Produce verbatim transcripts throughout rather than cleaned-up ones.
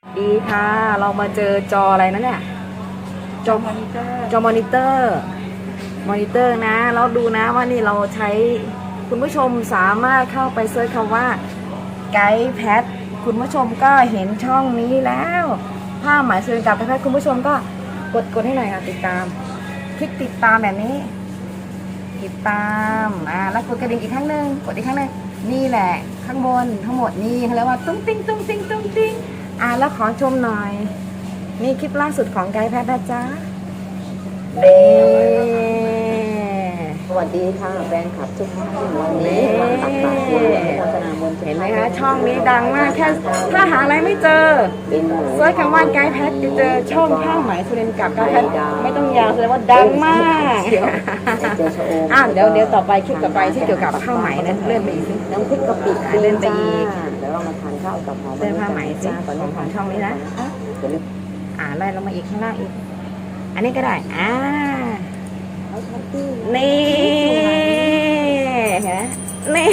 ดีค่ะเรามาเจอจออะไรนะเนี่ยจอมอนิเตอร์จอมอนิเตอร์มอนิเตอร์นะเราดูนะว่านี่เราใช้คุณผู้ชมสามารถเข้าไปเซิร์ชคำว่าไกด์แพทคุณผู้ชมก็เห็นช่องนี้แล้วผ้าหมายสื่อกับไกด์แพทคุณผู้ชมก็กดกดให้หน่อยค่ะติดตามคลิกติดตามแบบนี้ติดตามอ่าแล้วกดกระดิ่งอีกครั้งหนึ่งกดอีกครั้งหนึ่งนี่แหละข้างบนทั้งหมดนี่เขาเรียกว่าตุ้งติ้งตุ้งติ้งตุ้งติ้งอ่าแล้วขอชมหน่อยนี่คลิปล่าสุดของไกด์แพทนะจ๊ะเด้สวัสดีค่ะแฟนคลับทุกท่านวันนี้มาตักบาตรบุญโฆษณามนเห็นไหมคะช่องนี้ดังมากแค่ถ้าหาอะไรไม่เจอเซิร์ชคำว่าไกด์แพทจะเจอช่องผ้าไหมสุรินทร์กับไกด์แพทไม่ต้องยาวแสดงว่าดังมากอ่ะเดี๋ยวเดี๋ยวต่อไปคลิปต่อไปที่เกี่ยวกับผ้าไหมนั้นเลื่อนไปอีกสิน้ำพริกกะปิเลื่อนไปอีกเดี๋ยวเรามาทานข้าวกับหอมเลื่อนผ้าไหมสิของของช่องนี้นะอ่าไล่ลงมาอีกข้างล่างอีกอันนี้ก็ได้อ่านี่ฮะนี่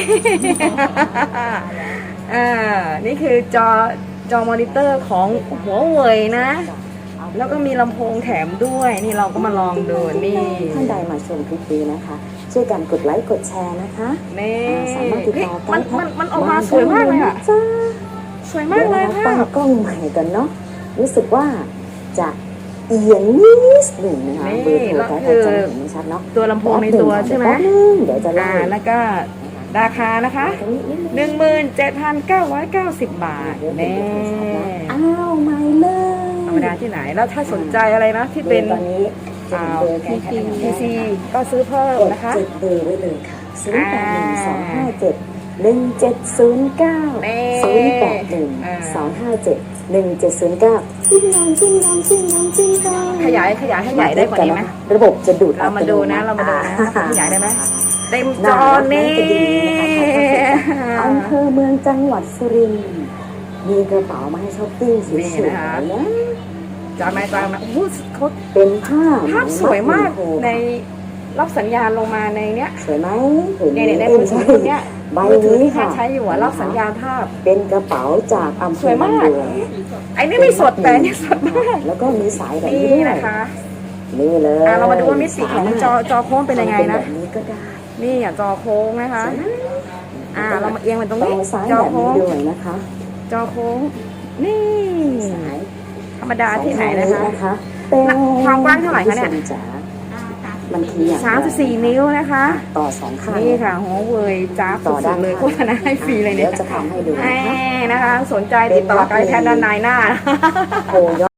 อ่านี่คือจอจอมอนิเตอร์ของหัวเว่ยนะแล้วก็มีลำโพงแถมด้วยนี่เราก็มาลองดูนี่ท่านใดมาชมคลิปนี้นะคะช่วยกันกดไลค์กดแชร์นะคะนี่สามารถติดต่อกัมัน นมันมันออกมาสวยมากเลยอ่ะสวยมากเลยค่ะตั้งกล้องใหม่กันเนาะรู้สึกว่าจะเอียงนิดหนึ่งนะคะเบอร์โทรใครจะเห็นไม่ชัดเนาะตัวลำโพงในตัวใช่ไหมเดี๋ยวจะเล่าแล้วก็ราคานะคะหนึ่งหมื่นเจ็ดพันเก้าร้อยเก้าสิบบาทเน่อ้าวไม่เลยธรรมดาที่ไหนแล้วถ้าสนใจอะไรนะที่เป็นตอนนี้พีพีซีก็ซื้อเพิ่มนะคะจดเบอร์ไว้เลยค่ะศูนย์แปดหนึ่งสองห้าเจ็ดหนึ่งเจ็ดศูนย์เก้าศูนย์แปดหนึ่งสองห้าเจ็ดหนึ่งเจ็ดศูนย์เก้าจิ้มน้ำจิ้มน้ำจิ้มน้ำจิ้มน้ำขยายขยายให้ใหญ่ได้กว่านี้ไหมระบบจะดูดเรามาดูนะเรามาดูนะขยายได้ไหมเต็มจอนี่อำเภอเมืองจังหวัดสุรินทร์มีกระเป๋ามาให้ช้อปปิ้งสวยๆนะจากไหนจากไหนโอ้โหเขาเป็นภาพภาพสวยมากในรับสัญญาณลงมาในเนี้ยสวยไหมเนี่ยในมือถือเนี้ยใบนี้ค่ะใช้อยู่อะรับสัญญาณภาพเป็นกระเป๋าจากอำเภอมากไอ้นี่ไม่สดแต่นี่สดมากแล้วก็มีสายแบบนี้ด้วยนะคะนี่เลยเรามาดูว่ามิติของจอจอโค้งเป็นยังไงนะนี่ก็ได้นี่อ่ะจอโค้งนะคะอ่าเรามาเอียงมันตรงนี้จอโค้งด้วยนะคะจอโค้งนี่ธรรมดาที่ไหนนะคะความกว้างเท่าไหร่คะเนี่ยมันคืออย่างสามสิบสี่นิ้วนะคะต่อสองข้างนี่ค่ะหัวเว่ยจ้าต่อได้เลยโฆษณาให้ฟรีเลยเนี่ยจะทำให้ดูนะคะสนใจติดต่อไกด์แพทด้านในหน้า